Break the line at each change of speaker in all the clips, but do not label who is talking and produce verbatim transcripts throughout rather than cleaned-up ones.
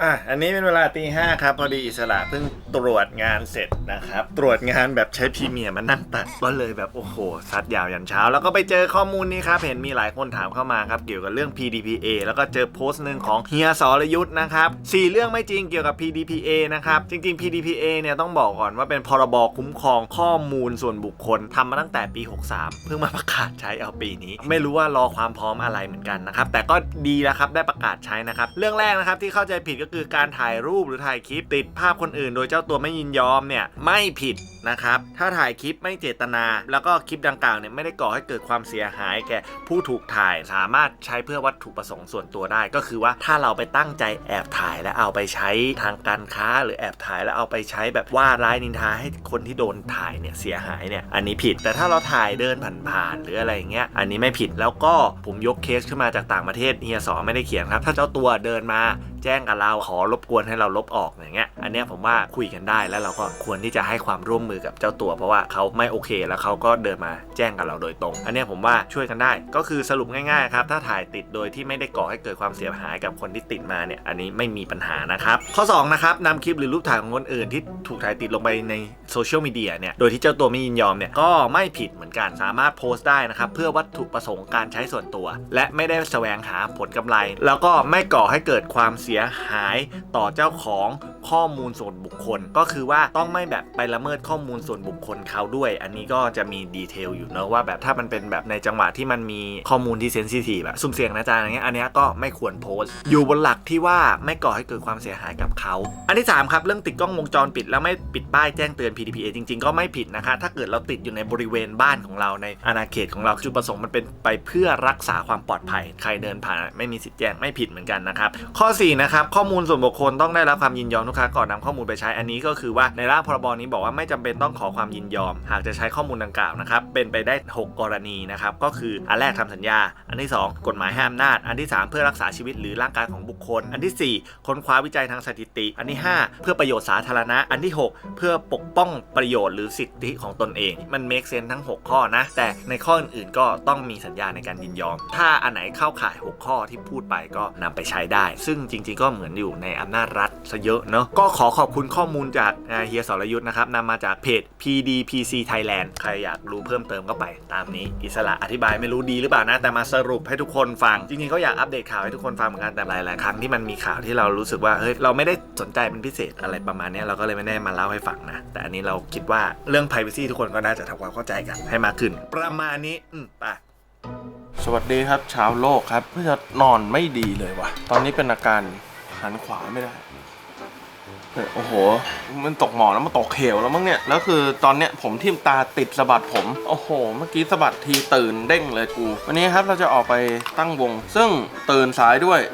อ่ะอันนี้เป็นเวลาตีห้าครับพอดีอิสระเพิ่งตรวจงานเสร็จนะครับตรวจงานแบบใช้พรีเมียร์มานั่งตัดก็เลยแบบโอ้โหซัดยาวยันเช้าแล้วก็ไปเจอข้อมูลนี้ครับเห็นมีหลายคนถามเข้ามาครับเกี่ยวกับเรื่อง พี ดี พี เอ แล้วก็เจอโพสต์หนึ่งของเฮียสรยุทธ์นะครับสี่เรื่องไม่จริงเกี่ยวกับ พี ดี พี เอ นะครับจริงๆ พี ดี พี เอ เนี่ยต้องบอกก่อนว่าเป็นพรบคุ้มครองข้อมูลส่วนบุคคลทำมาตั้งแต่ปีหกสามเพิ่งมาประกาศใช้เอาปีนี้ไม่รู้ว่ารอความพร้อมอะไรเหมือนกันนะครับแต่ก็ดีแล้วครับได้ประกาศใช้นะครับเรื่องแรกนะครับที่เข้าใจผิดก็คือการถ่ายรูปหรือถ่ายคลิปติดภาพคนอื่นโดยเจ้าตัวไม่ยินยอมเนี่ยไม่ผิดนะครับถ้าถ่ายคลิปไม่เจตนาแล้วก็คลิปดังกล่าวเนี่ยไม่ได้ก่อให้เกิดความเสียหายแก่ผู้ถูกถ่ายสามารถใช้เพื่อวัตถุประสงค์ส่วนตัวได้ก็คือว่าถ้าเราไปตั้งใจแอบถ่ายแล้วเอาไปใช้ทางการค้าหรือแอบถ่ายแล้วเอาไปใช้แบบว่าร้ายนินทาให้คนที่โดนถ่ายเนี่ยเสียหายเนี่ยอันนี้ผิดแต่ถ้าเราถ่ายเดินผ่านๆหรืออะไรอย่างเงี้ยอันนี้ไม่ผิดแล้วก็ผมยกเคสขึ้นมาจากต่างประเทศเฮียสอไม่ได้เขียนครับถ้าเจ้าตัวเดินมาแจ้งกับเราขอรบกวนให้เราลบออกอย่างเงี้ยอันเนี้ยผมว่าคุยกันได้แล้วเราก็ควรที่จะให้ความร่วมมือกับเจ้าตัวเพราะว่าเขาไม่โอเคแล้วเขาก็เดินมาแจ้งกับเราโดยตรงอันเนี้ยผมว่าช่วยกันได้ก็คือสรุปง่ายๆครับถ้าถ่ายติดโดยที่ไม่ได้ก่อให้เกิดความเสียหายกับคนที่ติดมาเนี่ยอันนี้ไม่มีปัญหานะครับข้อสองนะครับนำคลิปหรือรูปถ่ายของคนอื่นที่ถูกถ่ายติดลงไปในโซเชียลมีเดียเนี่ยโดยที่เจ้าตัวไม่ยินยอมเนี่ยก็ไม่ผิดเหมือนกันสามารถโพสต์ได้นะครับเพื่อวัตถุประสงค์การใช้ส่วนตัวและไม่ได้แสวงหาผลกำไรแล้วก็ไม่ก่อให้เกิดความเสียหายต่อเจ้าของข้อมูลส่วนบุคคลก็คือว่าต้องไม่แบบไปละเมิดข้อมูลส่วนบุคคลเขาด้วยอันนี้ก็จะมีดีเทลอยู่เนอะว่าแบบถ้ามันเป็นแบบในจังหวะที่มันมีข้อมูลที่เซนซิทีฟแบบสุ่มเสี่ยงนะจ๊ะอย่างเงี้ยอันนี้ก็ไม่ควรโพสต์อยู่บนหลักที่ว่าไม่ก่อให้เกิดความเสียหายกับเขาอันที่สามครับเรื่องติดกล้องวงจรปิดแล้วไม่ปิดป้ายแจ้งเตือน พี ดี พี เอ จริงๆก็ไม่ผิดนะคะถ้าเกิดเราติดอยู่ในบริเวณบ้านของเราในอาณาเขตของเราจุดประสงค์มันเป็นไปเพื่อรักษาความปลอดภัยใครเดินผ่านไม่มีสิทธิ์แจ้งไม่ผิดเหมือนกันนะครับข้อสี่นะครับข้อมูลส่วนบุคคลต้องได้รับความยินยอมทุกครั้งก่อนนำข้อมูลไปใช้อันนี้ก็คือว่าในร่างพรบนี้บอกว่าไม่จำเป็นต้องขอความยินยอมหากจะใช้ข้อมูลดังกล่าวนะครับเป็นไปได้หกกรณีนะครับก็คืออันแรกทำสัญญาอันที่สองกฎหมายให้อำนาจอันที่สามเพื่อรักษาชีวิตหรือร่างกายของบุคคลอันที่สี่ค้นคว้าวิจัยทางสถิติอันที่ห้าเพื่อประโยชน์สาธารณะอันที่หกเพื่อปกป้องประโยชน์หรือสิทธิของตนเองมันเมคเซนส์ทั้งหกข้อนะแต่ในข้ออื่นๆก็ต้องมีสัญญาในการยินยอมถ้าอันไหนเข้าข่ายหกข้อที่พูดไปก็นำไปใช้ได้ซึ่งจริงๆก็เหมือนอยู่ในอำนาจรัฐซะเยอะเนาะก็ขอขอบคุณข้อมูลจากเฮียสรยุทธ์นะครับนำมาจากเพจ พี ดี พี ซี Thailand ใครอยากรู้เพิ่มเติมก็ไปตามนี้อิสระอธิบายไม่รู้ดีหรือเปล่านะแต่มาสรุปให้ทุกคนฟังจริงๆก็อยากอัปเดตข่าวให้ทุกคนฟังเหมือนกันแต่หลายๆครั้งที่มันมีข่าวที่เรารู้สึกว่าเฮ้ยเราไม่ได้สนใจเป็นพิเศษอะไรประมาณนี้เราก็เลยไม่ได้มาเล่าให้ฟังนะแต่อันนี้เราคิดว่าเรื่อง privacy ทุกคนก็น่าจะทำความเข้าใจกันให้มากขึ้นประมาณนี้อืมไป
สวัสดีครับชาวโลกครับเพื่อนอนไม่ดีเลยวะตอนนี้เป็นอาการหันขวาไม่ได้โอ้โหมันตกหมอนแล้วมันตกเขวแล้วมั้งเนี่ยแล้วคือตอนเนี้ยผมทิ่มตาติดสะบัดผมโอ้โหเมื่อกี้สะบัดทีตื่นเด้งเลยกูวันนี้ครับเราจะออกไปตั้งวงซึ่งตื่นสายด้วย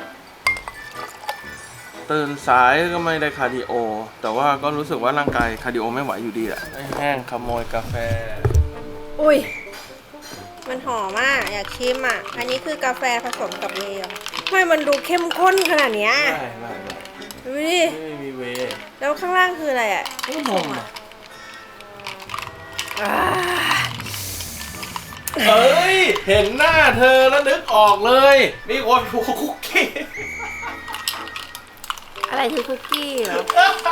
ตื่นสายก็ไม่ได้คาร์ดิโอแต่ว่าก็รู้สึกว่าร่างกายคาร์ดิโอไม่ไหวอยู่ดีแหละแห้งขโมยกาแฟ
อุ้ยมันหอมอ่ะอยากชิมอ่ะอันนี้คือกาแฟผสมกับเวย์ทำไมมันดูเข้มข้นขนาดเนี้ย
ไม่ไม่
ดูดิ
ไม่มีเว
แล้วข้างล่างคืออะไรอ่ะ
นมอ่ะเฮ้ยเห็นหน้าเธอแล้วนึกออกเลยมีคนถูกคุกกี้
อะไรคือคุกกี้เหรอ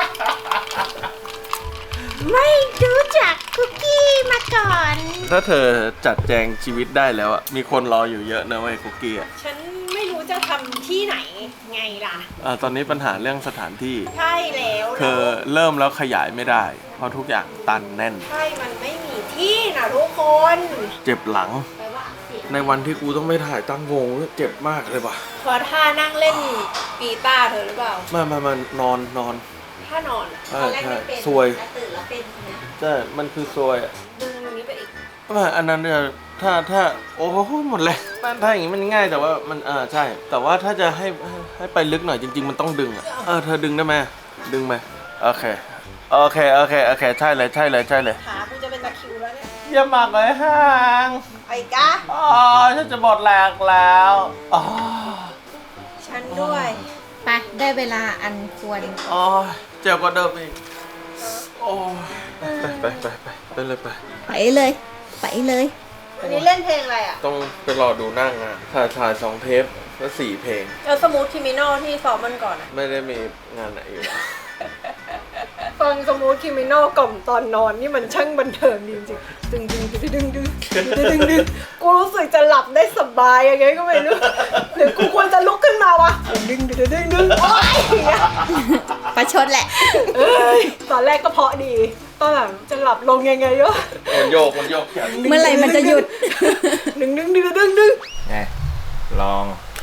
ไม่รู้จักคุกกี้มาก่อน
ถ้าเธอจัดแจงชีวิตได้แล้วอ่ะมีคนรออยู่เยอะนะเว้ยคุกกี้อ่ะ
ฉันไม่รู้จะทำที่ไหนไงล่ะ
อ่าตอนนี้ปัญหาเรื่องสถานที่
ใช่แล้ว
เธอเริ่มแล้วขยายไม่ได้เพราะทุกอย่างตันแน่น
ใช่มันไม่มีที่นะทุกคน
เจ็บหลังในวันที่กูต้องไม่ถ่ายตั้งวงเจ็บมากเลยว่ะ
เพราะท่านั่งเล่นกีตาร์เธอหรือเปล่า
ไม่ไม่มันนอนนอน
ท่านอน
ใช่ใช่ซวย
ตื่นแล้วเป็น
ใช่มันคือซวยอ่ะ
ดึงตรงนี้ไปอีก
ไม่อันนั้นเนี่ยถ้าถ้าโอ้โหหมดเลยถ้าอย่างงี้มันง่ายแต่ว่ามันเออใช่แต่ว่าถ้าจะให้ให้ไปลึกหน่อยจริงๆมันต้องดึงอ่ะเออเธอดึงได้ไหมดึงไหมโอเคโอเคโอเคโอเคใช่เลยใช่เลยใช่เลย
ขาคุณจะเป็นตะคริวแล้วเนี่ย
อย่าหมักเลยห่าง
ไอ้กะ
อ๋อฉันจะบอดแหลกแล้วอ๋อ
ฉันด้วยไปได้เวลาอันควร
อ๋อเจ็บกว่าเดิมอีกโอ้ไปไปไปไปไปเลยไป
ไปเลยไปเลยอันนี้เล่นเพลงอะไรอ่ะ
ต้องไปรอดูหน้างานถ่ายถ่ายสองเทปแล้วสี่เพลง
เออสมูทคิมิโนที่ซ้อมมันก่อนอ่ะ
ไม่ได้มีงานไหนอยู่แล้ว
ฟังสมูทคิมิโนกล่อมตอนนอนนี่มันช่างบันเทิงจริงๆดึงดึงดึงดึงดึงดึงดึงดึงกูรู้สึกจะหลับได้สบายยังไงก็ไม่รู้หรือกูควรจะลุกขึ้นมาวะดึงดึงดึงดึงดึงโอ๊ยอย่างเงี้ย
ประชดแหละ
เอ้ยตอนแรกก็เพราะดีตอนหลังจะหลับลงยังไงวะ
มันโยกมันโยก
เมื่อไหร่มันจะหยุด
ดึงดึงดึงดึงดึง
ไงลอง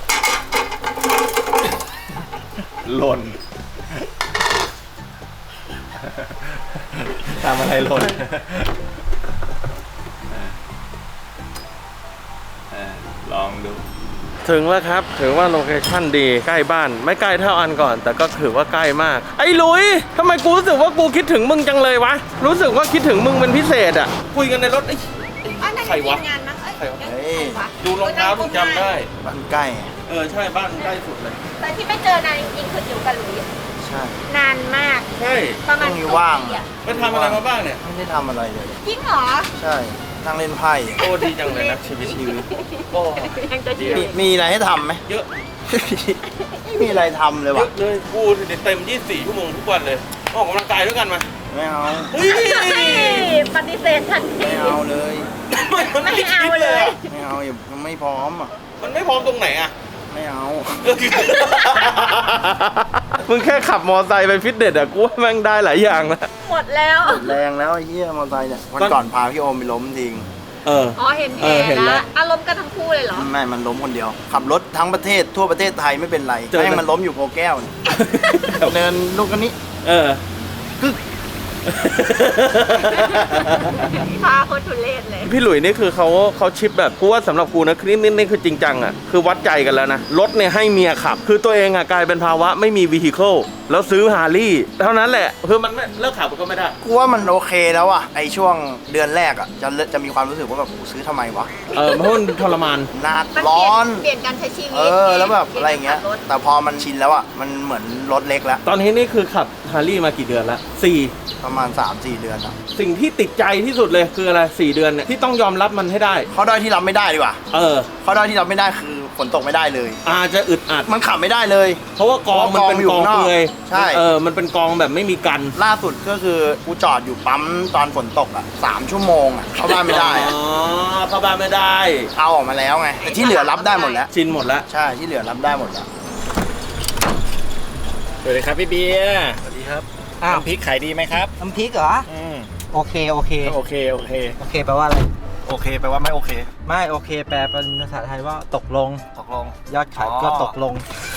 หล่นทำอะไรหล่นเออลองดู
ถึงแล้วครับถือว่าโลเคชั่นดีใกล้บ้านไม่ใกล้เท่าอันก่อน แต่ก็ถือว่าใกล้มากไอ้หลุยทำไมกูรู้สึกว่ากูคิดถึงมึงจังเลยวะรู้สึกว่าคิดถึงมึงเป็นพิเศษอ่ะคุยกันในรถไอ้ใครวะใครวะดูรองเท้าถึงจำได้
บ้านใกล้
เออใช่บ้านใกล้สุดเลย
แต่ที่ไม่เจอนานจริงๆคืออยู่กับหลุย
ใช่
นานมาก
ใช่
ประมาณ
ช่วงนี้ว่าง
ปีอะ
ไปทำอะไรมาบ้างเนี่ย
ไม่ได้ทำอะไรเลย
จริงเหรอ
ใช่ นั่งเล่นไพ่
โอ้ดีจังเลยนะชีวิตชีวิตโอ้
ยังจะ
ดี
เชื่อ
มีมีอะไรให้ทำไหม
เยอะ
ไม่มีอะไรทำเลย
เย
ว่ะ
อะเลยกูเต็มยี่สิบสี่ชั่วโมงทุกวันเลยออกกำลังกายด้วยกันมา
ไม่เอา
เฮ้ย
ปฏิเสธทันที
ไม่เอาเลย
ไม่มันไม่คิดเลยอะ
ไม่เอาอย่ายังไม่พร้อมอ่ะ
มันไม่พร้อมตรงไหนอะ
ไม่เอา
มึงแค่ขับมอไซค์ไปฟิตเนสอะกูว่าแม่งได้หลายอย่างนะ
หมดแล้ว
แรงแล้วไอ้เหี้ยมอเตอร์ไซค์เนี่ยวันก่อนพาพี่โอมไปล้มทิ้ง
เออ
อ๋อเห็นแผ
เอ
ล
อเห็นแล้ว
แล้วอารมณ์กันทั้งคู่เลยเหรอ
ไม่มันล้มคนเดียว ขับรถทั้งประเทศทั่วประเทศไทยไม่เป็นไร
เจอ
ให้มันล้มอยู่โพแก้วเนี่ยเนินลูกกันนี้
เออ
พาโคตรทุเรศเลย
พี่หลุยนี่คือเขาเขาชิปแบบกูว่าสำหรับกูนะคลิปนี้นี่คือจริงจังอ่ะคือวัดใจกันแล้วนะรถเนี่ยให้เมียขับ คือตัวเองอ่ะกลายเป็นภาวะไม่มีวีฮิเคิลแล้วซื้อฮาร์ลี่เท่านั้นแหละคือมันไม่เลิกขับมันก็ไม่ได้
กูว่ามันโอเคแล้วอ่ะไอช่วงเดือนแรกอ่ะจะจะมีความรู้สึกว่าแบบกูซื้อทำไมวะ
เออเพราะมันทรมาน
หนาด
มัน
ร้อน
เปลี่ยนการใช้ชีวิต
เออแล้วแบบอะไรอย่างเงี้ย
ปลี่นก
แต่พอมันชินแล้วอ่ะมันเหมือนรถเล็กแล้ว
ตอนนี้นี่คือขับฮาร์ลี่มากี่เดือนละสี่
ประมาณ สามสี่ เดือนอ่ะ
สิ่งที่ติดใจที่สุดเลยคืออะไรสี่เดือนเนี่ยที่ต้องยอมรับมันให้ได้
ข้อด้อยที่รับไม่ได้ดีกว่า
เออ
ข้อด้อยที่รับไม่ได้คือฝนตกไม่ได้เลย
อาจจะอึดอัด
มันขับไม่ได้เลย
เพราะว่ากองมันเป็นกองเปลือย
ใช่
เออมันเป็นกองแบบไม่มีกัน
ล่าสุดก็คือกูจอดอยู่ปั๊มตอนฝนตกอ่ะสามชั่วโมงอ่ะเข้าบ้านไม่ได้
อ๋
อะ
อเข้าบ้านไม่ได้
เอาออกมาแล้วไงแต่ที่เหลือรับได้หมดแล้ว
ชินหมดแล้ว
ใช่ที่เหลือรับได้หมดแล้ว
สวัสดีครับพี่เบียร์
สวัสดีครับ
อ้าว
น้ำพริกขายดีไหมครับ
น้ำพริกเหรอ
อืม
โอเค โอเค
โอเคโอเค
โอเคแปลว่าอะไร
โอเคแปลว่าไม่โอเค
ไม่โอเค แปลเป็นภาษาไทยว่าตกลง
ตกลง
ยอดขายก็
อ๋อ
ตกลง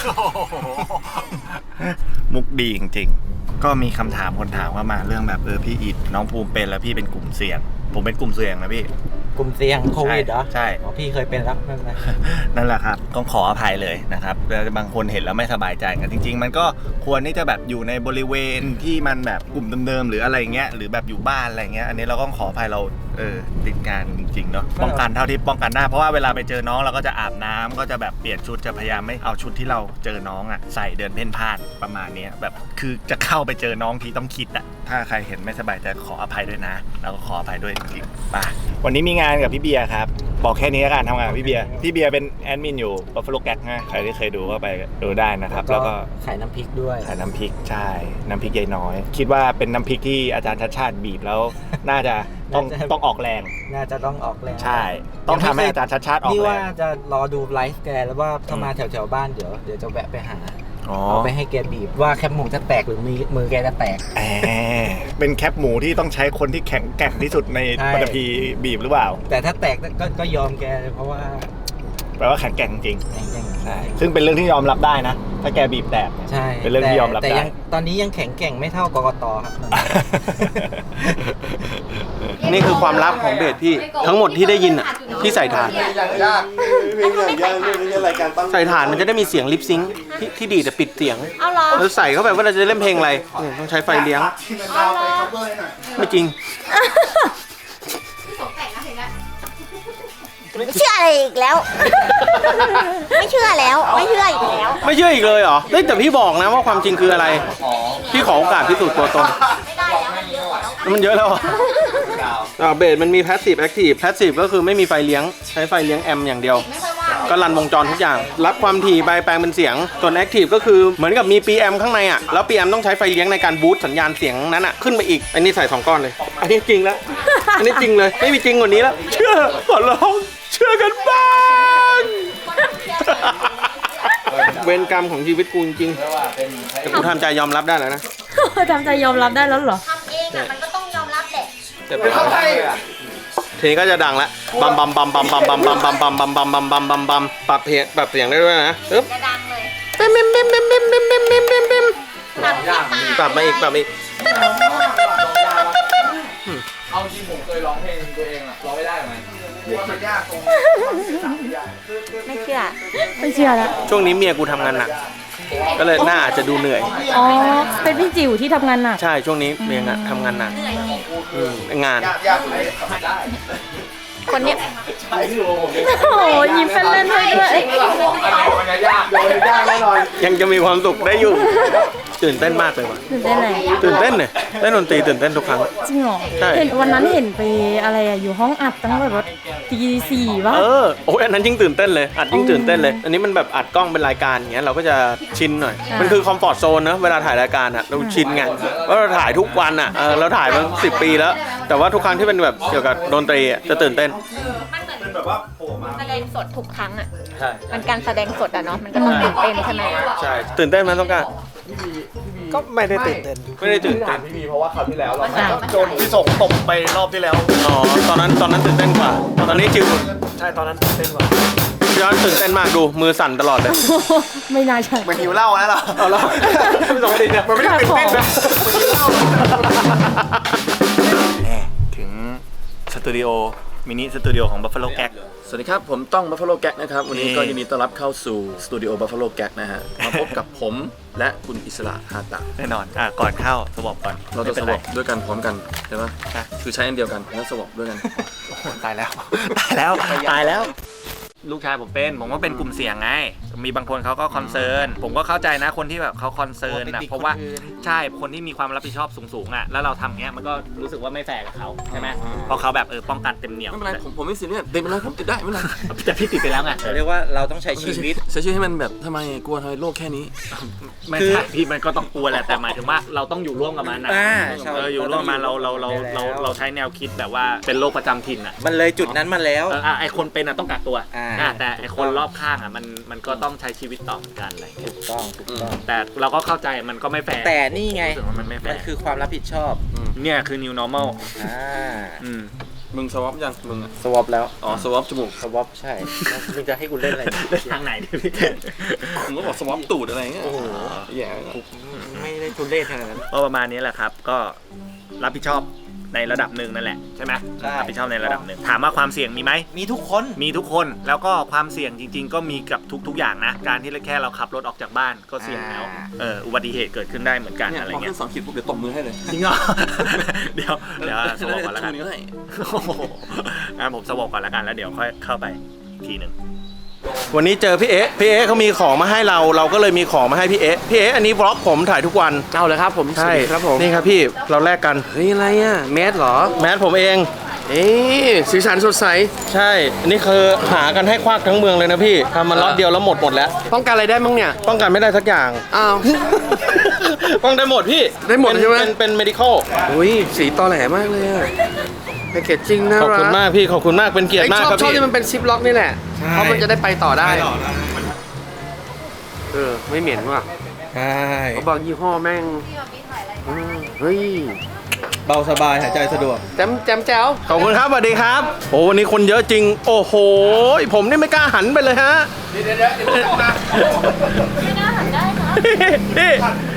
มุกดีจริงๆ ก็มีคำถามคนถามเข้ามาเรื่องแบบเออพี่อิดน้องภูมิเป็นแล้วพี่เป็นกลุ่มเสี่ยง ผมเป็นกลุ่มเสี่ยงนะพี่
กลุ่มเสี่ยงโควิดเหรอ
ใช่
อ๋อพี่เคยเป็นแล้วไม่เป็นไร
นั่นแหละครับต้องขออภัยเลยนะครับแล้วบางคนเห็นแล้วไม่สบายใจกันจริง ๆ มันก็ควรที่จะแบบอยู่ในบริเวณที่มันแบบกลุ่มเดิมๆหรืออะไรเงี้ยหรือแบบอยู่บ้านอะไรเงี้ยอันนี้เราก็ต้องขออภัยเราเออติดงานจริงๆเนาะป้องกันเท่าที่ป้องกันได้เพราะว่าเวลาไปเจอน้องเราก็จะอาบน้ำก็จะแบบเปลี่ยนชุดจะพยายามไม่เอาชุดที่เราเจอน้องอ่ะใส่เดินเพ่นพ่านประมาณเนี้ยแบบคือจะเข้าไปเจอน้องที่ต้องคิดอ่ะถ้าใครเห็นไม่สบายใจขออภัยด้วยนะแล้วก็ขออภัยด้วยจริงๆไปวันนี้มีงานกับพี่เบียร์ครับบอกแค่นี้แล้วกันทำงานกับพี่เบียร์พี่เบียร์เป็นแอดมินอยู่ Buffalo Gag นะใครที่เคยดูก็ไปดูได้นะครับแล้วก็
ขายน้ำพริกด้วย
ขายน้ำพริกใช่น้ำพริกยายน้อย คิดว่าเป็นน้ำพริกที่อาจารย์ชัดชาติบีบแล้วน่าจะต้อง
น่าจะ
ต้องออกแรง
น่าจะต้องออกแรง
ใช่ ต้องทำให้อาจารย์ชัดชาติออก
นี่
แร
ว่าง จะรอดูไลฟ์แกแล้วว่าถ้ามาแถวๆบ้านเดี๋ยวเดี๋ยวจะแวะไปหา
อ๋อ
เอาไปให้แกบีบว่าแคบหมูจะแตกหรือมือมือแกจะแตก
แหมเป็นแคปหมูที่ต้องใช้คนที่แข็งแกร่งที่สุดใน
ใช่
ปฐพีบีบหรือเปล่า
แต่ถ้าแตกก็ก็ยอมแกเลยเพราะว่า
แปลว่าแข็งแกร่งจริง
อย่าง
ใช่ซึ่งเป็นเรื่องที่ยอมรับได้นะ ถ้าแกบีบแตกเนี่ย
ใช่
เป็นเรื่องที่ยอมรับ
แต่
ได้
ยังตอนนี้ยังแข็งแกร่งไม่เท่ากกตครับ
นี่คือความลับของเบสพี่ทั้งหมดที่ได้ยินอ่ะที่ใส่ถ่าน
ยากเพลงอย่างยากนี่เป็นรายการตั้ง
ใส่ถ่านมันจะได้มีเสียงลิปซิงค์ที่ที่ดีแต่ปิดเสียง
เอาเหรอ
เราใส่เข้าไปว่าเราจะเล่นเพลงอะไรเนี่ยต้องใช้ไฟเลี้ยง
ที่มันดาวไป cover ให้หน่อย
ไม่จริง
เชื่ออะไรอีกแล้ว ไม่เชื่อแล้ว ไม่เชื่ออีกแล้ว
ไม่เชื่ออีกเลยเหรอเฮ้ยแต่พี่บอกนะว่าความจริงคืออะไร พี่ขอโอกาสพิสูจน์ตัวตน
ไม่ได้แล้วมันเยอะกว่าน้อง
มันเยอะแล้วเหรอ
ไ
อ่าเบสมันมี passive active passive ก็คือไม่มีไฟเลี้ยงใช้ไฟเลี้ยงแอมป์อย่างเดียว ก็รันวงจรทุกอย่าง รับความถี่ไปแปลงเป็นเสียงส่วน active ก็คือเหมือนกับมี พี เอ็ม ข้างในอ่ะแล้ว พี เอ็ม ต้องใช้ไฟเลี้ยงในการบูสต์สัญญาณเสียงนั้นอ่ะขึ้นไปอีกอันนี้ใส่สองก้อนเลย อันนี้จริงแล้ว อันนี้จริงเลยไม่มีจริงกว่านี้แล้วเชื่อขอร้องเชื่อกันบ้างเวรกรรมของชีวิตกูจริงๆแต่กูทำใจยอมรับได้แล้วนะ
ทำใจยอมรับได้แล้วเหรอ
ทำเองอ่ะมันก็ต้องยอมรับแหละ
แต่เป็นเข้าใจทีนี้ก็จะดังแล้วบัมบัมบัมบัมบัมบัมบัมบัมบัมบัมบัมบัมบัมบัมบัมปรับเพลงปรับเสียงได้ด้วยนะปึ๊บ
จะดังเลย
บิมบิมบิมบิมบิมบิมบิมบิมบิมบิม
ตัดที่ตา
ปรับมาอีกปรับมาอีก
เอาจริงผมเคยร้องเพลงตัวเองอะร้องไม่ได้ไหม
ไม่เชื่อ
ไม่เชื่อแล้ว
ช่วงนี้เมียกูทำงานหนักก็เลยหน้าอาจจะดูเหนื่อย
อ๋อ เป็นพี่จิ๋วที่ทำงานหนัก
ใช่ช่วงนี้เมียงานทำงานหนักอืมงาน
คนเนี้ย
โอ้ยยิ้มเป็นเล่นให้ด้วย
ยังจะมีความสุขได้อยู่ ตื่นเต้นมากเลยว่ะ
ตื่นเต้นอะไร
ตื่นเต้นเนี่ยเล่นดนตรีตื่นเต้นทุกครั้ง
จริงเหรอ
ใช่
เห็นวันนั้นเห็นไปอะไรอะอยู่ห้องอัดตั้งแบบว่าตีสี่วะ
เออโอ้ยอันนั้นยิ่งตื่นเต้นเลยอัดยิ่งตื่นเต้นเลย อันนี้มันแบบอัดกล้องเป็นรายการอย่างเงี้ยเราก็จะชินหน่อย
อ่ามั
มันคือคอมฟอร์ตโซนนะเวลาถ่ายรายการอ่ะเราชินไงว่าเราถ่ายทุกวันอ่ะเออเราถ่ายมาสิบปีแล้ว แต่ว่าทุกครั้งที่เป็นแบบเกี่ยวกับดนตรีอะจะตื่นเต้น
มันเหมือนแสดงสดทุกครั้งอ่ะ
ใช่
มันการแสดงสดอ่ะเนาะ มันก็ต้องตื่นเต้นใช่ไหม
ใช่ตื่นเต้นไหมต้องการ
ก็ไม่ได้ตื่นเต้น
ไม่ได้ตื่นเต้น
พี่บีเพราะว่าคราวที่แล้วเรา
อ่ะ
โดนพี่ส่งตบไปรอบที่แล้ว
อ๋อตอนนั้นตอนนั้นตื่นเต้นกว่า ตอนนี้ชิว
ใช่ตอนนั้นตื่นเต้นกว่า
ย้อนตื่นเต้นมากดูมือสั่นตลอดเลย
ไม่น่าใช่
มันหิวเหล้าแล้วเหรอ
เอาแล้วไม่ต้องดิเนี่ยมันไม่ได้ตื่นเต้นนะ
แน่ถึงสตูดิโอมินิสตูดิโอของ Buffalo Gag
สวัสดีครับ ผมต้อง Buffalo Gag นะครับ วันนี้
นี่
ก็ยินดีต้อนรับเข้าสู่สตูดิโอ Buffalo Gag นะฮะ มาพบกับผมและคุณอิสระฮาตะ
แน่นอนอ่ะก่อนเข้าสวอปก่อน
เราจะ
ไม่
ส
ป็น
วอปด้วยกันพร้อมกันใช่ไหม
ใช่
คือใช้อันเดียวกันแล้วสวอปด้วยกัน
ตายแล้ว ตายแล้ว ตายแล้ว ลูกชายผมเป็น ผมก็เป็นกลุ่มเสี่ยงไง มีบางคนเขาก็คอนเซิร์น ผมก็เข้าใจนะคนที่แบบเขาคอนเซิร์นนะเพราะว่าใช่ คนที่มีความรับผิดชอบสูงๆอ่ะ แล้วเราทำเงี้ยมันก็รู้สึกว่าไม่แฟร์กับเขาใช่ไหมเพราะเขาแบบเออป้องกันเต็มเหนียว
ไม่เป็นไร ผมผมไม่ซีเรียสเด็กเป็นไรผมติดได้ไม่เป็นไร
แต่พี่ติดไปแล้วไง
เรียกว่าเราต้องใช้ชีวิต
ใช้ชีวิตให้มันแบบทำไมกลัวทำไมโลกแค่นี้
ไม่ใช่พี่มันก็ต้องกลัวแหละแต่หมายถึงว่าเราต้องอยู่ร่วมกับมันนะ
อ่าใช่
เอออยู่ร่วมกับมันเราเราเราเราเราใช้แนวคิดแบบว่าเป็นโรคประจำถิ่นอ่ะ
มันเลยจุดนั้นมาแล้ว
เอออ่ะไอคนเป็นอ่ะต้องกักตัว
อ่า
อ่ะแต่ไอคนรอบข้างอ่ะมันมันก็ต้องใช้ชีวิตต่อเหมือนกันอะไรเงี้ย
ถูกต้องถูกต้อง
แต่เราก็เข้าใจมันก็ไม่แฟร์
แต่นี่ไง
รู้สึกว่ามันไม่แฟ
มัน
ร์
คือความรับผิดชอบ
เนี่ยคือ new normal
อ่า
อืม
มึงสวอปยังมึงอะ
สวอปแล้ว
อ๋อสวอปจมูก
สวอปใช่แล้วมึงจะให้กูเล่นอะไร
เล่นทางไหนดิพี่
มึงก็บอกสวอปตูดอะไรเงี้ย
โอ้โห
แย่
ไม่ได้ทุเล่ขนาดนั้น
ก็ประมาณนี้แหละครับ ก็รับผิดชอบในระดับหนึ่งนั่นแหละใช่ไหม
ใช่
รับผิดชอบในระดับหนึ่งถามว่าความเสี่ยงมีไหม
มีทุกคน
มีทุกคนแล้วก็ความเสี่ยงจริง ๆ ก็มีกับทุก ๆ อย่างนะ การที่แค่เราขับรถออกจากบ้านก็เสี่ยงแล้ว
อ่า
เอออุบัติเหตุเกิดขึ้นได้เหมือนกัน
เนี่ย
อะไร
พอ
เงี้
ขึ้
ย
นสองขีดปุ๊บเดี๋ยวตบมือให้เลย
จริงเหรอ เดี๋ยวเดี๋ยวสวอปก่อนแล้วกัน
ชูวให้
โอ้โหงั้นผมสวอปก่อนแล้วกันแล้วเดี๋ยวค่อยเข้าไปอีกทีหนึ่ง
วันนี้เจอพี่เอ๊ะพี่เอ๊ะเขามีของมาให้เรา เราก็เลยมีของมาให้พี่เอ๊ะพี่เอ๊ะอันนี้บล็อกผมถ่ายทุกวัน
เอาเลยครับผม
ใช่
สวัสดีครับผม
นี่ครับพี่เราแลกกัน
เฮ้ยอะไรอ่ะแมสเหรอ
แมสผมเอง
เอ๊ะสีสันสดใส
ใช่อันนี้คือหากันให้ควักทั้งเมืองเลยนะพี่ทำมาล็อตเดียวแล้วหมดหมดแล้ว
ป้องกันอะไรได้มั้งเนี่ย
ป้องกันไม่ได้สักอย่าง
อ้าว
ป้องได้หมดพี่
ได้หมด
เป็น
ใช่ไหม
เป็นเป็น medical
อุ้ยสีตอแหลมากเลยอ่ะแพคเกจจิ้งน่า
ขอบ
รั
คุณมากพี่ขอบคุณมากเป็นเกียร
ไอ้
ติมาก
ชอบ
ครับ
ชอบ
พี่
ที่มันเป็นซิปล็อกนี่แหละ เพราะมันจะได้ไปต่อได้เออไม่เหม็นว่ะ
ใช่
เขาบอกยี่ห้อแม่งอืมเฮ้ย
เบาสบายหายใจสะดวก
แจมแจมแจ๋ว
ขอบคุณครับสวัสดีครับโอ้วันนี้คนเยอะจริง โอ้โหผมนี่ไม่กล้าหันไปเลยฮะเดี๋ยวเดี๋ยวเดี๋ยวไม่กล้าหันได้นะนี่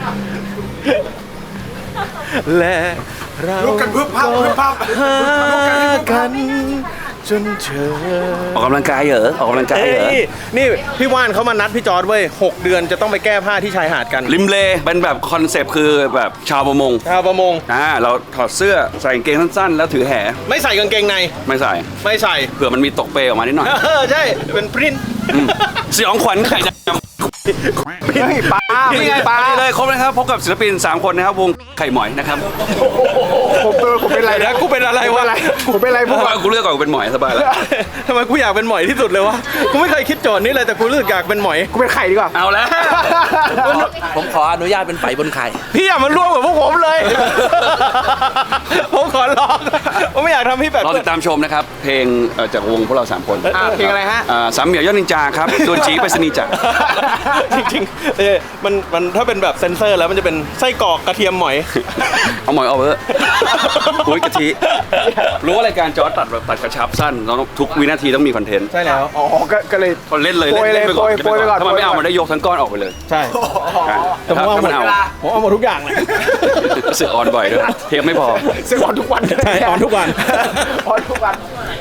และเราลุกกันพึบพับพึบพับหากันจนเจอ
ออกกำลังกายเหรอออกกำลังกายเหรอ
เอ้ยนี่พี่ว่านเขามานัดพี่จอร์ดเว้ยหกเดือนจะต้องไปแก้ผ้าที่ชายหาดกัน
ริมเลเป็นแบบคอนเซปต์คือแบบชาวประมง
ชาวประมง
อ่าเราถอดเสื้อใส่กางเกงสั้นๆ แล้วถือแห
ไม่ใส่กางเกงใน
ไม่ใส่
ไม่ใส่
เผื่อมันมีตกเปรย์ออกมานิดหน่อย
เออใช่เป็นพรินท์
อืมสยองขวัญไข่ด
พรินท์
นี่ไงปลาเลยครบเลยครับพบกับศิลปินสามคนนะครับวงไข่หมอยนะครับ
ผมเออผมเป็นไรนะกูเป็นอะไรวะผมเป็นอะไรพวก
กูเลือกก่อนกูเป็นหมอยสบายแล้ว
ทำไมกูอยากเป็นหมอยที่สุดเลยวะกูไม่เคยคิดโจทย์นี้เลยแต่กูรู้สึกอยากเป็นหมอยกูเป็นไข่ดีกว่า
เอาแล้ว
ผมขออนุญาตเป็นไฝบนไข่
พี่อย่ามาร่วมกับพวกผมเลย ผมขอร้องผมไม่อยากทำให้แบบ
รอติดตามชมนะครับเพลงเอ่อจากวงพวกเราสามคน
อ่ะเพลงอะไรฮะ
อ่าสามเหมี่ยวยอดนินจาครับตัวจีไปสนีจักร
จริงๆเออมันมันถ้าเป็นแบบเซนเซอร์แล้วมันจะเป็นไส้กรอกกระเทียมหมอย
เอาหมอยเอาเบอร์โอ้ยกะทิรู้ว่ารายการจอร์จตัดแบบตัดกระชับสั้นเราต้องทุกวินาทีต้องมีคอนเทนต์
ใช่แล้วอ๋อก็ก็เลย
คนเล่นเลย
โปรยเลย
เล่นไปก่อน
โปรย
เล่นไปก่อน
โปรยไปก่อน
ถ้ามันไม่เอามันได้ยกทั้งก้อนออกไปเลย
ใช่ แต่ผมเอาหมด
ถ้ามันเอา
ผมเอาหมดทุกอย่างเลย
สึกออนบ่อยด้วยเทปไม่พอ
ซึ่งออนทุกวันใช่ออนทุกวันออนทุกวัน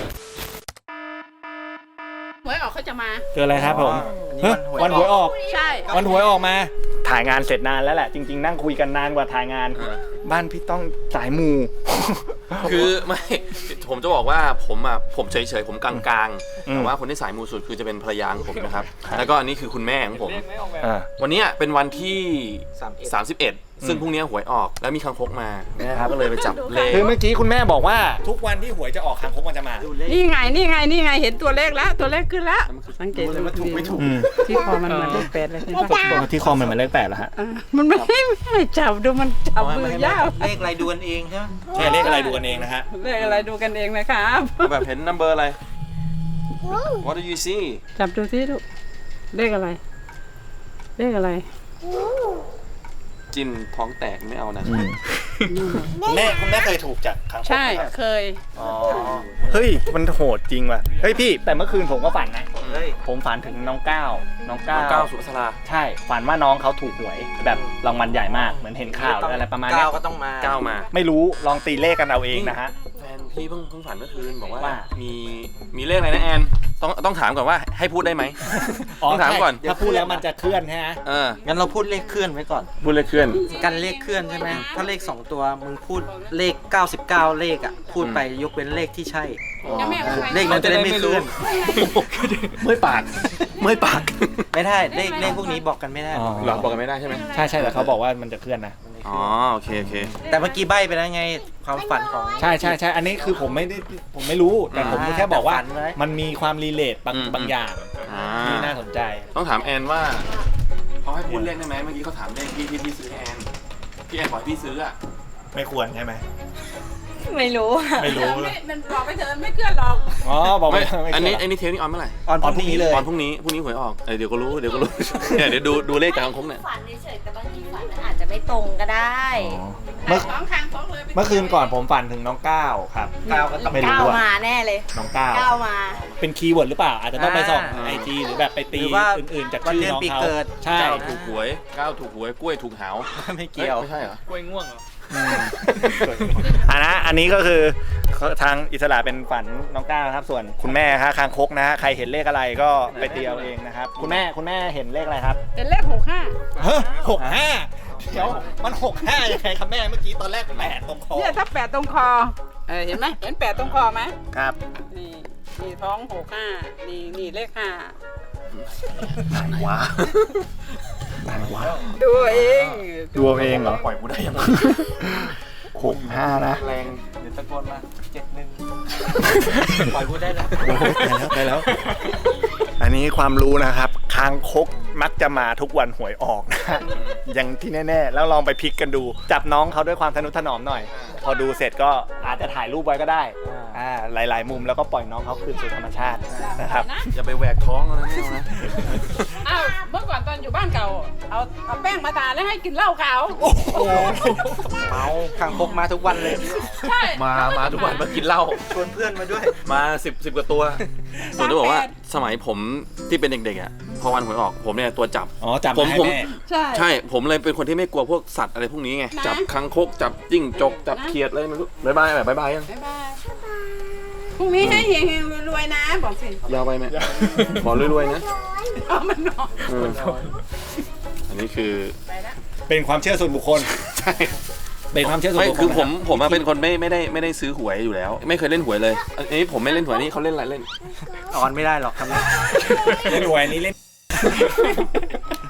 หวยออกเขาจะมา
เกิดอะไรครับผมวันหวยออก
ใช่
วันหวยออกมา ถ่ายงานเสร็จนานแล้วแหละ จริง ๆ นั่งคุยกันนานกว่าถ่ายงาน บ้านพี่ต้องสายมู
คือไม่ผมจะบอกว่าผมอ่ะผมเฉยๆผมกลางๆแต่ว่าคนที่สายมูสุดคือจะเป็นภรรยาของผมนะครับแล้วก็อันนี้คือคุณแม่ของผม วันนี้เป็นวันที่สามสิบเอ็ดซึ่งพรุ่งนี้หวยออกแล้วมีคังคกมานะครับก็เลยไปจับเลข
คือเมื่อกี้คุณแม่บอกว่าทุกวันที่หวยจะออกคางคกมันจะมา
นี่ไง นี่ไง นี่ไง เห็นตัวเลขแล้ว ตัวเลขขึ้นแล้ว สังเกตดู
ถูกไม่ถูก
ที่คอมันเหมือนเลขแปดเลยใช่ไหม
ที่คอมันเหมือนเลขแปดแล้วฮะ
อ่ามันไม่ไม่ให้จับดูมันจับมือยาก
เลขอะไรดูกันเองใช่ไหม
ใช่เลขอะไรดูกันเองนะฮะ
เลขอะไรดูกันเองนะครับ
แบบเห็นนัมเบอร์อะไร What do you see
จับดูสิลูกเลขอะไร เลขอะไร
จินท้องแตกไม่เอานะ
คุณแม่คุณแม่เคยถูกจากคางคก
ใช่
ไหมครับ
เคย
อ๋อเฮ้ยมันโหดจริงว่ะเฮ้ยพี่แต่เมื่อคืนผมก็ฝันนะผมฝันถึงน้องก้าวน้องก้าว
น้องก้าวสุภาษรา
ใช่ฝันว่าน้องเขาถูกหวยแบบรางวัลใหญ่มากเหมือนเห็นข่าวหรืออะไรประมาณนี้
ก้าวก็ต้องมา
ก้าวมา
ไม่รู้ลองตีเลขกันเอาเองนะฮะ
แฟนพี่เพิ่งเพิ่งฝันเมื่อคืนบอกว่า
ว่า
มีมีเลขอะไรนะแอนต้องต้องถามก่อนว่าให้พูดได้ไหมต้องถามก่อน
ถ้าพูดแล้วมันจะเคลื่อนใช่ไหม
เออ
งั้นเราพูดเลขเคลื่อนไว้ก่อน
พูดเลขเคลื่อน
กันเลขเคลื่อนใช่ไหมถ้าเลขสองตัวมึงพูดเลขเก้าสิบเก้าเลขอ่ะพูดไปยกเว้นเลขที่ใช่เลขนั้นจะได้ไม่เคลื่อน
เมื่อยปากเมื่อยปาก
ไม่ได้เลขเลขพวกนี้บอกกันไม่ได้
หลอกบอกกันไม่ได้ใช่ไหม
ใช่ใช่แต่เขาบอกว่ามันจะเคลื่อนนะ
อ๋อโอเคโอเค
แต่เมื่อกี้ใบ้ไปแล้วไงความฝันของ
ใช่ใช่ใช่อันนี้คือผมไม่ได้ผมไม่รู้แต่ผมแค่บอกว่า
แต่ฝันไว้
มันมีความรีเลทบาง
อืม
บางอย่าง
อ่า
ที่น่าสนใจ
ต้องถามแอนว่าเขาให้พูดเลขได้ไหมเมื่อกี้เขาถามเลขที่ที่พี่ซื้อให้แอนพี่แอนบอกให้พี่ซื้ออ่ะ
ไม่ควรใช่ไหม
ไม่รู้
ไม่รู้
มันบอกไปเถอะไม่เคลื่อนหรอก
อ๋อบอก
ไม่
ไม่
อันนี้
ไม่
อันนี้เทปนี้ออนเมื่อไหร่
ออนพรุ่งนี้เลย
ออนพรุ่งนี้พรุ่งนี้หวยออกเออเดี๋ยวก็รู้เดี๋ยวก็รู้ เนี่ยเดี๋ยวดูดูเลขกลางคงเนี่ย
ฝันเฉยๆแต่บางทีฝันมันอาจจะไม่ตรงก็ได้
เมื่อ
สองคางสองเลย
เมื่อคืนก่อนผมฝันถึงน้องก้าวครับก้าวก็ต้องไม่รู้
ก้าว
อะ
มาแน่เลย
น้องก้าว
ก้าวมา
เป็นคีย์เวิร์ดหรือเปล่า อาจจะต้องไปส่อง
อ่า
ไอจีหรือแบบไปตี
หรือว่า
อื่นๆจาก
วัน
ชื่อ
เดือน
น้อง
ปี
เขา
เกิด
ใช่
ก้าวถูกหวยก้าวถูกหวยกล้วยถูกหาว
ไม่เกี่ยว
อ้ไม่ใช่เหรอ
อันนะอันนี้ก็คือทางอิสระเป็นฝันน้องก้าวนะครับ ส่วนคุณแม่ฮะคางคกนะฮะใครเห็นเลขอะไรก็ไปตีเอาเองนะครับ คุณแม่คุณแม่เห็นเลขอะไรครับ
เป็นเลขหกห้า
เฮ้ยหกห้าเดี๋ยวมันหกห้ายังไงครับแม่เมื่อกี้ตอนแรกแปดตรงคอ
เนี่ยถ้าแปดตรงคอเออเห็นไหมเห็นแปดตรงคอไหม
ครับ
นี่นี่ท้องหกห้านี่นี่เลขห้า
ว้าต่างว้า
ดูเอง
ดูเอาเองเหรอปล่อยกูได้ยังหกห้านะ
แรงเดี๋ยวตะโกนมาเจ็ดหนึ่งปล่อยพูดได้แล้ว
ได้แล้ว อันนี้ความรู้นะครับคางคกมักจะมาทุกวันหวยออกนะฮะอย่างที่แน่ๆแล้วลองไปพลิกกันดู จับน้องเขาด้วยความทนุถนอมหน่อย พอดูเสร็จก็อาจจะถ่ายรูปไว้ก็ได้อ่าหลายๆมุมแล้วก็ปล่อยน้องเขาคืนสู่ธรรมชาตินะครับ
อย่าไปแหวกท้องนะไม่เอานะ
อ้าวเมื่อก่อนตอนอยู่บ้านเก่า เอาเอาแป้งมาทาแล้วให้กินเหล้าขาว
เมาคางคกมาทุกวันเลย
ใช่
มามาทุกวันมากินเหล้า
ชวนเพื่อนมาด้วย
มาสิบสิบกว่าตัวส่วนจะบอกว่าสมัยผมที่เป็นเด็กๆอ่ะพอวันหวยออกผมเนี่ยตัวจับ
อ๋อจับ
ผม
ให้
ผม
แม่
ใช่
ใช่ผมเลยเป็นคนที่ไม่กลัวพวกสัตว์อะไรพวกนี้ไง
นะ
จับคังคกจับจิ้งจกจับเขียดอะไรไม่รู้บายบายแบบบายบายยัง
บ๊ายบายพรุ่งนี้ให้เฮงๆรวยๆนะบอกสิ
ยาวไปไหมขอรวยๆนะ
เอามันนอน
เอออันนี้คือ
เป็นความเชื่อส่วนบุคคล
ใช่
เป็นความเชื่อส่วน
ไม่
บุคคล
คือผม
นะ
ผมอะเป็นคนไม่ไม่ได้ไม่ได้ซื้อหวยอยู่แล้ว ไม่เคยเล่นหวยเลยอันนี้ผมไม่เล่นหวยนี่เขาเล่นอะไรเล่น
ออนไม่ได้หรอกทำไม
เล่นหวยนี้เล่น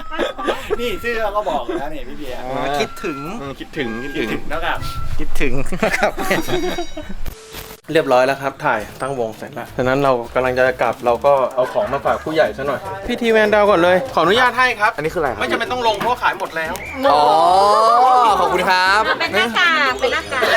นี่ชื่อเราก็บอกแล้วนี่พี่เบียร์
คิดถึง
คิดถึงคิดถึง
แล้วกับ
คิดถึงครับ
เรียบร้อยแล้วครับถ่ายตั้งวงเสร็จแล้วฉะนั้นเรากำลังจะกลับเราก็เอาของมาฝากผู้ใหญ่ซะหน่อยพี่ทีแมนดาวก่อนเลยขออนุญาตให้ครับอันนี้คืออะไรไม่จำเป็นต้องลงเพราะขายหมดแล้วอ๋อขอบคุณครับ
เป็นหน้ากากเป็นหน้ากาก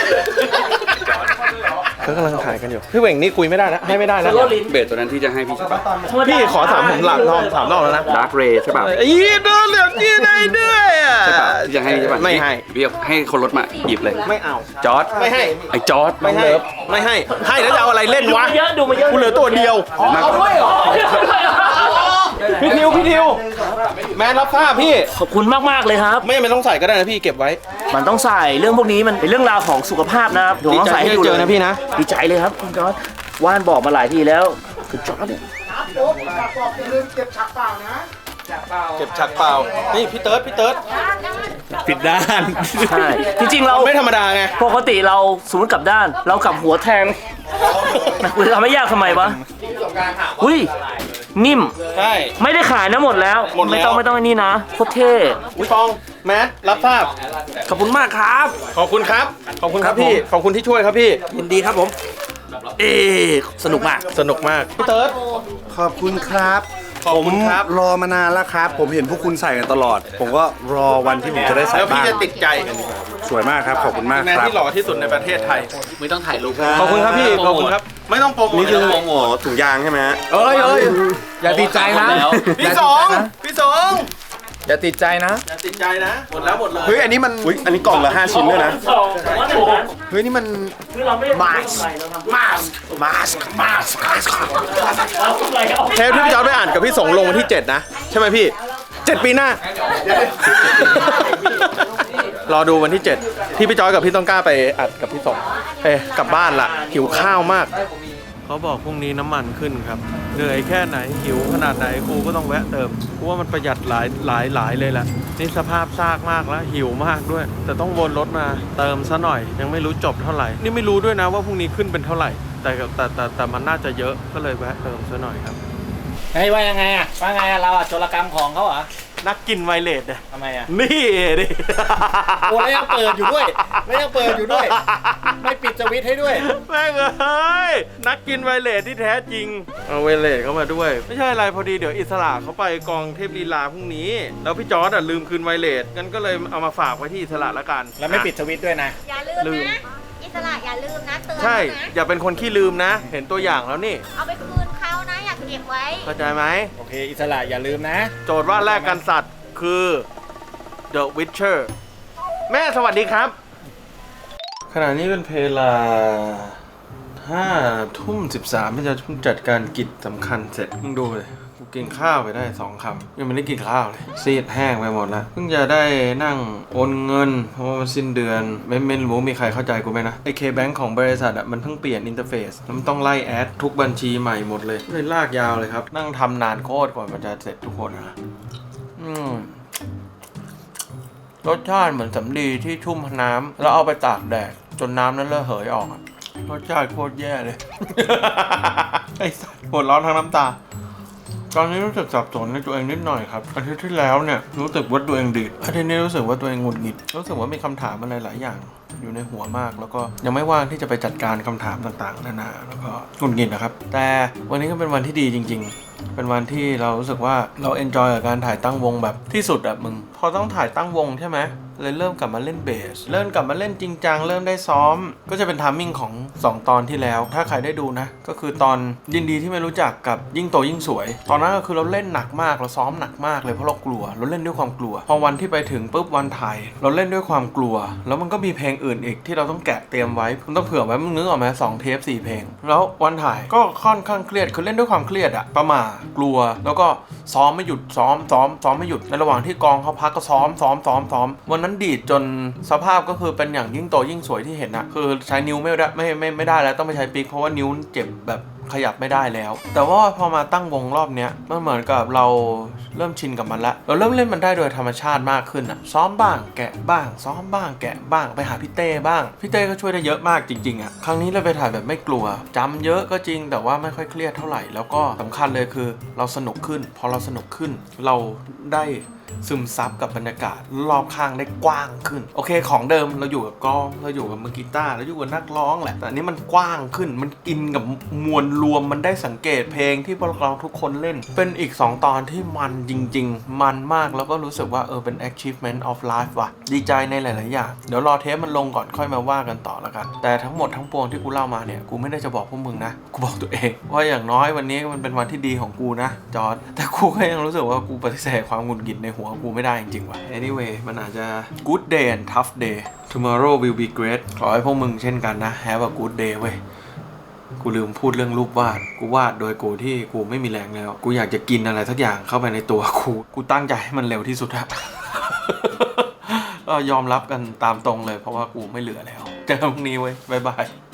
เขากำลังถ่ายกันอยู่พี่เหว่งนี่คุยไม่ได้นะให้ไม่ได้นะ
เบสตัวนั้นที่จะให้พี่ใช่ปะ
พี่ขอสามผมหลักรอบสามรอบแล้วนะ
ดาร์กเรย์ใช่ปะ
อีโดนเหลืองยี่ได้ด้วยอ่ะ
ใช่ปะที่จะให้ใช่ปะ
ไม่ให้
พี่ให้คนรถมาหยิบเลย
ไม่เอา
จอร์ด
ไม่ให้
ไอ้จอร์ด
ไม่ให้ไม่ให้ให้แล้วจะเอาอะไรเล่นวะกูเหลือตัวเดียว
เอาด้วยเหรอ
พี่ทิวพี่ทิวแมนรับทราบพี่
ขอบคุณมากๆเลยครับ
ไม่ไม่ต้องใส่ก็ได้นะพี่เก็บไว้
มันต้องใส่เรื่องพวกนี้มันเป็นเรื่องราวของสุขภาพนะครับผมต้องใส่ให้ดู
ดีใจที่ได้เจ
เล
อยนะพี่นะ
ดีใจเลยครับคุณจอร์ดว่านบอกมาหลายทีแล้วคุณจอร์ดเนี่ย
เก็บฉักเปล่านี่พี่เติร์ดพี่เติร์ด
ผิดด้าน ใช่ จริงๆเรา
ไม่ธรรมดาไง
ปกติเราสมมติกลับด้าน เรากลับหัวแทงคุณจะทำให้ยากทำไมวะอุ้ยนิ่ม
ใช่
ไม่ได้ขายนะหมดแล้ว
หมดแล้ว
ไม่ต้องไม่ต้องไอ้นี่นะโคตรเท่
อุ้ยฟองแมทรับทราบ
ขอบคุณมากครับ
ขอบคุณครับขอบคุณครับ
ครับผม
พี่ขอบคุณที่ช่วยครับพี่
ยินดีครับผม เอสนุกมาก
สนุกมากพี่เติร์ด
ขอบคุณครับ
ขอบคุณครับ
รอมานานแล้วครับ ผมเห็นพวกคุณใส่กันตลอด ผมก็รอวันที่ผมจะได้ใส่
แล้วพี่
บ้าง
จะติดใจ
สวยมากครับ ขอบคุณมาก
แมน
ครับ
ที่หล่อที่สุดในประเทศไทย
ไม่ต้องถ่ายรูป
ขอบคุณครับพี่ขอบคุณครับไม่ต้องโปรโมท
นี่คือโปรโมทถุงยางใช่ไหมฮะ
เอ้ยเอ้ยอย่าติดใจนะ
พี่สองพี่สอง
อย่าติดใจนะ
อย่าติดใจนะหมดแล้วหมดเลย
เฮ้ย อันนี้มัน
อุ้ยอันนี้กล่องละห้าชิ้นด้วยนะ
เฮ้ย นี่มัน
มาส
มาสมาสมาส
เทปที่พี่จอร์จไปอ่านกับพี่สงลงวันที่เจ็ดนะ ใช่ไหมพี่เจ็ดปีหน้า รอดูวันที่เจ็ดที่พี่จอร์จกับพี่ต้องกล้าไปอัดกับพี่สงเอ๊ะกลับบ้านละหิวข้าวมากเขาบอกพรุ่งนี้น้ำมันขึ้นครับเหนื่อยแค่ไหนหิวขนาดไหนกูก็ต้องแวะเติมกูว่ามันประหยัดหลายหลายหลายเลยแหละนี่สภาพซากมากแล้วหิวมากด้วย แต่ต้องวนรถมาเติมซะหน่อย ยังไม่รู้จบเท่าไหร่นี่ไม่รู้ด้วยนะว่าพรุ่งนี้ขึ้นเป็นเท่าไหร่ แต่แต่แต่แต่มันน่าจะเยอะก็เลยแวะเติมซะหน่อยครับ
เฮ้ยว่ายังไงอ่ะว่าไงอ่ะเราอ่ะโจรกรรมของเขาเหรอ
นักกินไวเลสเนี่ย
ทำไมอ่ะ
นี่ดิ
โอ้แล้วยังเปิดอยู่ด้วยแล้วยังเปิดอยู่ด้วย ไม่ปิดสวิตช์ให้ด้วย
แม่งเอ้ยนักกินไวเลสที่แท้จริงเอาไวเลสเข้ามาด้วย ไม่ใช่อะไรพอดีเดี๋ยวอิสระเขาไปกองเทพลีลาพรุ่งนี้แล้วพี่จอร์ดอะลืมคืนไวเลสงั้นก็เลยเอามาฝากไว้ที่อิสระละกัน
แล้วไม่ปิดสวิตช์ด้วยนะ
อย่าลื
ลื
ม
ม
นะ อิสระอย่าลืมนะเตือน
ใช่
นะ
อย่าเป็นคนขี้ลืมนะ เห็นตัวอย่างแล้วนี่
เอาไปคืนเขานะ อยากเก็บไว้
เข้าใจไหม
โอเค อิสระอย่าลืมนะ
โจทย์ว่าแรกกันสัตว์คือ The Witcher แม่สวัสดีครับ ขณะนี้เป็นเวลาห้าทุ่มสิบสามที่จะจัดการกิจสำคัญเสร็จมึงดูเลยกูกินข้าวไปได้สองคำยังไม่ได้กินข้าวเลยซีดแห้งไปหมดแล้วเพิ่งจะได้นั่งโอนเงินเพราะว่ามันสิ้นเดือนไม่ไม่รู้มีใครเข้าใจกูไหมนะไอเคแบงค์ของบริษัทอ่ะมันเพิ่งเปลี่ยนอินเทอร์เฟซแล้วมันต้องไล่แอดทุกบัญชีใหม่หมดเลยเลยลากยาวเลยครับนั่งทำนานโคตรกว่ามันจะเสร็จทุกคนนะอืมรสชาติเหมือนสำลีที่ชุ่มน้ำแล้วเอาไปตากแดดจนน้ำนั้นระเหยออกอะรสชาติโคตรแย่เลย ไอ้สัสปวดร้อนทั้งน้ำตา ตอนนี้รู้สึกสับสนในตัวเองนิดหน่อยครับอาทิตย์ที่แล้วเนี่ยรู้สึกว่าตัวเองดีดอาทิตย์นี้รู้สึกว่าตัวเองหงุดหงิดรู้สึกว่ามีคำถามอะไรหลายอย่างอยู่ในหัวมาก แล้วก็ยังไม่ว่างที่จะไปจัดการคำถามต่างๆนานาแล้วก็หงุดหงิดนะครับแต่วันนี้ก็เป็นวันที่ดีจริงๆเป็นวันที่เรารู้สึกว่าเราเอนจอยกับการถ่ายตั้งวงแบบที่สุดอะมึงพอต้องถ่ายตั้งวงใช่ไหมเลยเริ่มกลับมาเล่นเบสเริ่มกลับมาเล่นจริงจังเริ่มได้ซ้อมก็จะเป็นไทมิ่งของสองตอนที่แล้วถ้าใครได้ดูนะก็คือตอนยินดีที่ไม่รู้จักกับยิ่งโตยิ่งสวยตอนนั้นก็คือเราเล่นหนักมากเราซ้อมหนักมากเลยเพราะเรากลัวเราเล่นด้วยความกลัวพอวันที่ไปถึงปุ๊บวันถ่ายเราเล่นด้วยความกลัวแล้วมันก็มีเพลงอื่นอีกที่เราต้องแกะเตรียมไว้มันต้องเผื่อไว้มึงนึกออกไหมสองเทปสี่เพลงแล้ววันถ่ายก็ค่อนข้างเครียดคือเล่นด้วยความเครียดอะประหม่ากลัวแล้วก็ซ้อมไม่หยุดซ้อมซ้อมซ้อมไม่หยุดในระหว่างที่กองเขาพักก็ซ้อมซ้อมซ้อมซ้อมวันนั้นดีดจนสภาพก็คือเป็นอย่างยิ่งโตยิ่งสวยที่เห็นอะคือใช้นิ้วไม่ได้ไม่ไม่ไม่ได้แล้วต้องไปใช้ปิ๊กเพราะว่านิ้วเจ็บแบบขยับไม่ได้แล้วแต่ว่าพอมาตั้งวงรอบเนี้ยมันเหมือนกับเราเริ่มชินกับมันละเราเริ่มเล่นมันได้โดยธรรมชาติมากขึ้นอะซ้อมบ้างแกะบ้างซ้อมบ้างแกะบ้างไปหาพี่เต้บ้างพี่เต้ก็ช่วยได้เยอะมากจริงๆอะครั้งนี้เราไปถ่ายแบบไม่กลัวจำเยอะก็จริงแต่ว่าไม่ค่อยเครียดเท่าไหร่แล้วก็สำคัญเลยคือเราสนุกขึ้นพอเราสนุกขึ้นเราได้ซึมซับกับบรรยากาศรอบข้างได้กว้างขึ้นโอเคของเดิมเราอยู่กับกลองเราอยู่กับมือกีตาร์เราอยู่กับนักร้องแหละแต่อันนี้มันกว้างขึ้นมันกินกับมวลรวมมันได้สังเกตเพลงที่พวกเราทุกคนเล่นเป็นอีกสองตอนที่มันจริงๆมันมากแล้วก็รู้สึกว่าเออเป็น achievement of life ว่ะดีใจในหลายๆอย่างเดี๋ยวรอเทปมันลงก่อนค่อยมาว่ากันต่อแล้วกันแต่ทั้งหมดทั้งปวงที่กูเล่ามาเนี่ยกูไม่ได้จะบอกพวกมึงนะกูบอกตัวเองว่าอย่างน้อยวันนี้มันเป็นวันที่ดีของกูนะจอร์จแต่กูก็ยังรู้สึกว่ากูปฏิเสธความหงุดหงิดในหัวกูไม่ได้จริงๆว่ะ anyway มันอาจจะ good day and tough day tomorrow will be great ขอให้พวกมึงเช่นกันนะ have a good day เว้ยกูลืมพูดเรื่องรูปวาดกูวาดโดยกูที่กูไม่มีแรงแล้วกูอยากจะกินอะไรสักอย่างเข้าไปในตัวกูกูตั้งใจให้มันเร็วที่สุดอะ ก็ยอมรับกันตามตรงเลยเพราะว่ากูไม่เหลือแล้วเจอกันพรุ่งนี้เว้ยบ๊ายบาย